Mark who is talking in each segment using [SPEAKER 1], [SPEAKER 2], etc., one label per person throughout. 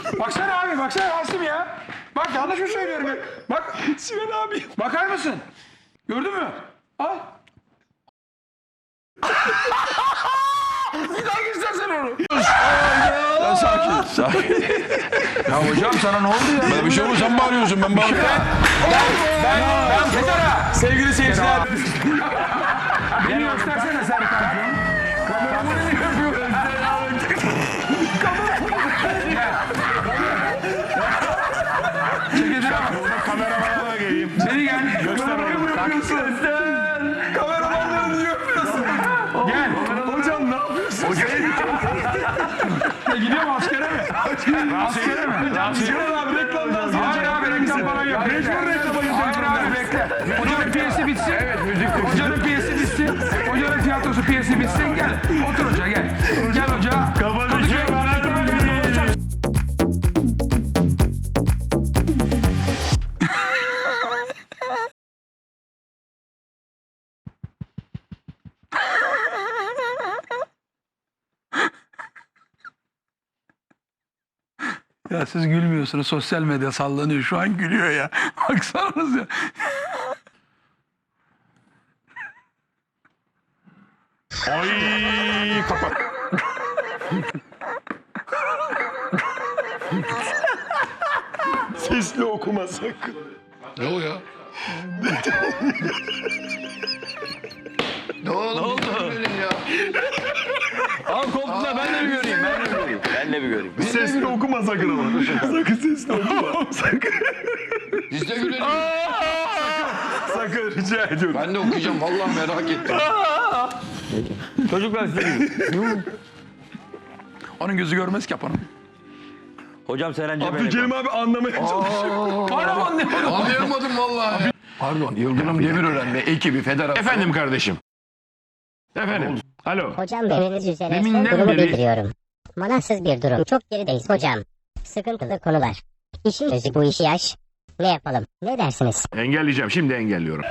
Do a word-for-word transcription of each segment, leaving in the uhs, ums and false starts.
[SPEAKER 1] Baksana abi, baksana Rasim ya. Bak yanlış mı söylüyorum ya? Bak Sinan abi. Bakar mısın? Gördün mü? Al. Bir daha göstersen onu.
[SPEAKER 2] Ya sakin, sakin.
[SPEAKER 1] Ya hocam sana ne oldu ya?
[SPEAKER 2] Ben bir şey olmaz, sen bağırıyorsun, ben bağırıyorum.
[SPEAKER 1] Ben, ben Federa.
[SPEAKER 2] Sevgili seyirciler.
[SPEAKER 1] Beni göstersene Serkan. Kameramı ne yapıyor? Çekilsene bak.
[SPEAKER 2] Kameramana da geleyim.
[SPEAKER 1] Seni gel.
[SPEAKER 2] Göster onu.
[SPEAKER 1] Kameramanları niye yapıyorsun? Gel.
[SPEAKER 3] Hocam ne yapıyorsun?
[SPEAKER 1] Ya gidiyorum askere mi? Askere mi?
[SPEAKER 3] Sinan abi reklamdan sonra.
[SPEAKER 1] Hayır abi reklam falan yok.
[SPEAKER 3] Mecbur reklama
[SPEAKER 1] Hayır abi bekle. Hocanın piyesi bitsin. Evet müzik. Hocanın piyesi bitsin. Hocanın tiyatrosu piyesi bitsin. Gel. Otur hoca gel. Gel hoca.
[SPEAKER 3] Kapatıcı bana
[SPEAKER 1] Ya siz gülmüyorsunuz. Sosyal medya sallanıyor. Şu an gülüyor ya. Baksanız ya.
[SPEAKER 2] Ay kapat.
[SPEAKER 3] sesli okuma sakın.
[SPEAKER 2] Ne o ya?
[SPEAKER 4] Ne oldu? Ya.
[SPEAKER 2] Al koltuğuna ben de bir göreyim, ben de bir göreyim.
[SPEAKER 4] Ben de bir göreyim.
[SPEAKER 3] Sesli okuma sakın ama. Sakın sesli okuma. Sakın.
[SPEAKER 4] Biz de gülelim.
[SPEAKER 3] Sakın rica ediyorum.
[SPEAKER 4] Ben de okuyacağım. Vallahi merak ettim.
[SPEAKER 5] Çocuklar size
[SPEAKER 1] Onun gözü görmez ki yapanın.
[SPEAKER 5] Hocam Seren Cebel'e
[SPEAKER 3] Abdülkerim abi anlamaya çalışıyor.
[SPEAKER 1] Hala anlayamadım.
[SPEAKER 4] Anlayamadım vallahi.
[SPEAKER 2] Pardon, Yıldırım Demirören ve ekibi federasyon. Efendim kardeşim. Efendim. Alo.
[SPEAKER 6] Hocam bildiğiniz üzere son
[SPEAKER 2] Deminden
[SPEAKER 6] durumu
[SPEAKER 2] beri-
[SPEAKER 6] bildiriyorum. Manasız bir durum. Çok gerideyiz hocam. Sıkıntılı konular. İşin özü bu işi yaş. Ne yapalım? Ne dersiniz?
[SPEAKER 2] Engelleyeceğim, şimdi engelliyorum.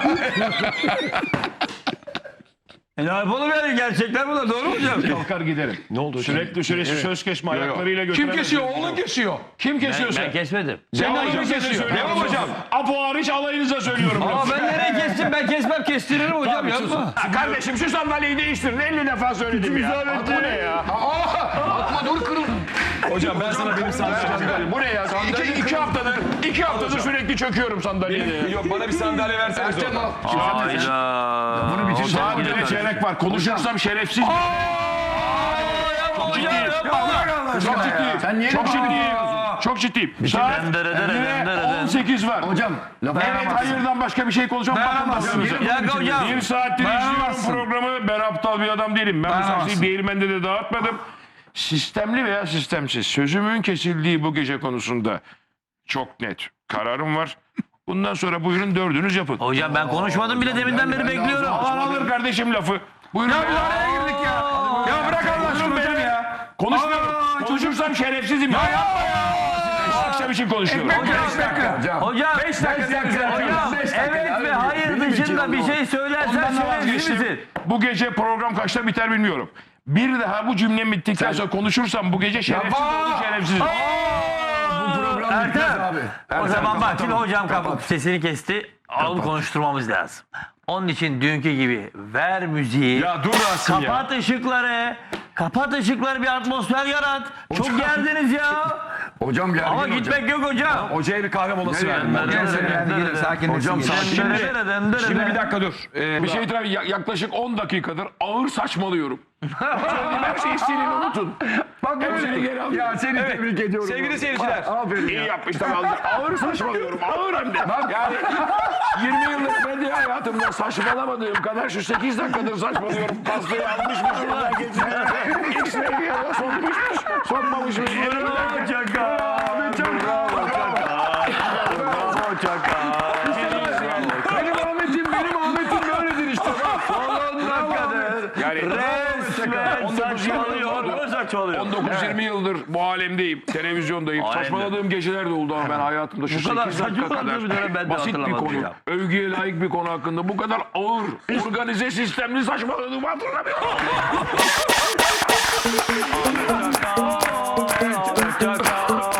[SPEAKER 5] E ne yapalım yani gerçekler bunlar doğru mu hocam?
[SPEAKER 2] Kalkar giderim.
[SPEAKER 3] Ne oldu hocam?
[SPEAKER 2] Sürekli süresi söz kesme ayaklarıyla götüren.
[SPEAKER 1] Kim kesiyor? Oğlun kesiyor.
[SPEAKER 2] Kim kesiyorsa?
[SPEAKER 5] Ben kesmedim.
[SPEAKER 2] Sen
[SPEAKER 1] Devam
[SPEAKER 2] alayınıza
[SPEAKER 1] kesiyor.
[SPEAKER 2] söylüyorum.
[SPEAKER 1] Devam hocam.
[SPEAKER 2] Apo hariç alayınıza söylüyorum.
[SPEAKER 5] Aa ben nereye kestim ben kesmem kestiririm hocam yapma.
[SPEAKER 2] Ha, kardeşim şu sandalyeyi değiştirin. elli defa söyledim ya. Bu ne ya?
[SPEAKER 4] Atma dur kırıl.
[SPEAKER 3] Hocam ben sana benim sandalyem.
[SPEAKER 2] Bu ne ya? İki, iki haftadır, iki haftadır sürekli çöküyorum sandalyeye.
[SPEAKER 3] Yok bana bir sandalye versene.
[SPEAKER 4] Ertem al.
[SPEAKER 5] Hayda.
[SPEAKER 2] Bunu bitir. Sadece çeyrek var. Konuşursam şerefsiz. Çok ciddiyim. Çok ciddiyim.
[SPEAKER 4] Sen niye
[SPEAKER 2] Çok
[SPEAKER 4] lafı
[SPEAKER 2] ciddiyim.
[SPEAKER 4] ediyorsun?
[SPEAKER 2] Çok ciddiyim. Saat
[SPEAKER 5] Dendere dere dendere dendere.
[SPEAKER 2] on sekiz var.
[SPEAKER 4] Hocam lafı
[SPEAKER 2] Evet hayırdan başka bir şey konuşamam. Bakın
[SPEAKER 5] Bir dakika hocam.
[SPEAKER 2] Bir saattir izliyorum
[SPEAKER 1] Dayanamazsın.
[SPEAKER 2] programı. Ben aptal bir adam değilim. Ben bu
[SPEAKER 1] Dayanamazsın.
[SPEAKER 2] saçıyı değirmende de dağıtmadım. Sistemli veya sistemsiz. Sözümün kesildiği bu gece konusunda çok net kararım var. Bundan sonra buyurun dördünüz yapın.
[SPEAKER 5] Hocam ben konuşmadım bile deminden beri bekliyorum.
[SPEAKER 2] Alan alır kardeşim lafı. Buyurun.
[SPEAKER 1] Ya biz araya girdik ya. Ya bırak Allah aşkına hocam ya.
[SPEAKER 2] Konuşmuyorum.
[SPEAKER 1] Aa,
[SPEAKER 2] Konuşursam şerefsizim. Ya yapma ya. Akşam için konuşuyorum.
[SPEAKER 1] Ekmek beş dakika.
[SPEAKER 5] Hocam.
[SPEAKER 1] Beş dakika.
[SPEAKER 5] Hocam evet ve hayır dışında bir şey söylersen
[SPEAKER 2] Ondan da
[SPEAKER 5] şerefsiz
[SPEAKER 2] vazgeçtim.
[SPEAKER 5] misin?
[SPEAKER 2] Bu gece program kaçta biter bilmiyorum. Bir daha bu cümlem bittikten sonra konuşursam bu gece şerefsiz olur şerefsiz.
[SPEAKER 5] Ertem. O zaman bak şimdi hocam kapı sesini kesti. Alıp konuşturmamız lazım. Onun için dünkü gibi ver müziği.
[SPEAKER 3] Ya dur Rasim ya.
[SPEAKER 5] Kapat ışıkları. Kapat ışıkları bir atmosfer yarat. Çok geldiniz ya.
[SPEAKER 4] Hocam geldi.
[SPEAKER 5] Ama gitmek yok hocam.
[SPEAKER 3] Hocaya bir kahve molası verdim.
[SPEAKER 5] Hocam
[SPEAKER 3] Şimdi, şimdi bir dakika dur. Ee,
[SPEAKER 2] Bir şey itiraf ya- yaklaşık on dakikadır ağır saçmalıyorum. Söylediğim her şeyi silin unutun.
[SPEAKER 3] Bak
[SPEAKER 2] Hepsini geri alıyorum.
[SPEAKER 3] Ya seni tebrik ediyorum. Sevgili seyirciler. Aferin
[SPEAKER 2] İyi yapmışlar. Ağır saçmalıyorum. Ağır hem de. Yani yirmi yıllık medya hayatımda saçmalamadığım kadar şu sekiz dakikadır saçmalıyorum. Pastayı almışmışım. X-ray'e sokmuşmuş. Sokmamışmış.
[SPEAKER 5] Bravo Çaka. Bravo Çaka. Bravo Çaka.
[SPEAKER 3] Benim Ahmet'im, benim Ahmet'im böyledir işte.
[SPEAKER 5] Son dakikadır.
[SPEAKER 2] Yani
[SPEAKER 5] Resmen saçmalıyor. Saçmalıyor.
[SPEAKER 2] on dokuz yirmi yıldır bu alemdeyim, televizyondayım.
[SPEAKER 5] Alemde.
[SPEAKER 2] Saçmaladığım geceler de oldu ama ben hayatımda şu
[SPEAKER 5] Bu kadar
[SPEAKER 2] sekiz dakika
[SPEAKER 5] saçmaladığım bir dönem ben
[SPEAKER 2] kadar
[SPEAKER 5] de
[SPEAKER 2] basit bir
[SPEAKER 5] hatırlamadım
[SPEAKER 2] konu,
[SPEAKER 5] ya.
[SPEAKER 2] övgüye layık bir konu hakkında bu kadar ağır, organize, sistemli saçmaladığımı hatırlamıyorum.
[SPEAKER 5] Hoşça kal.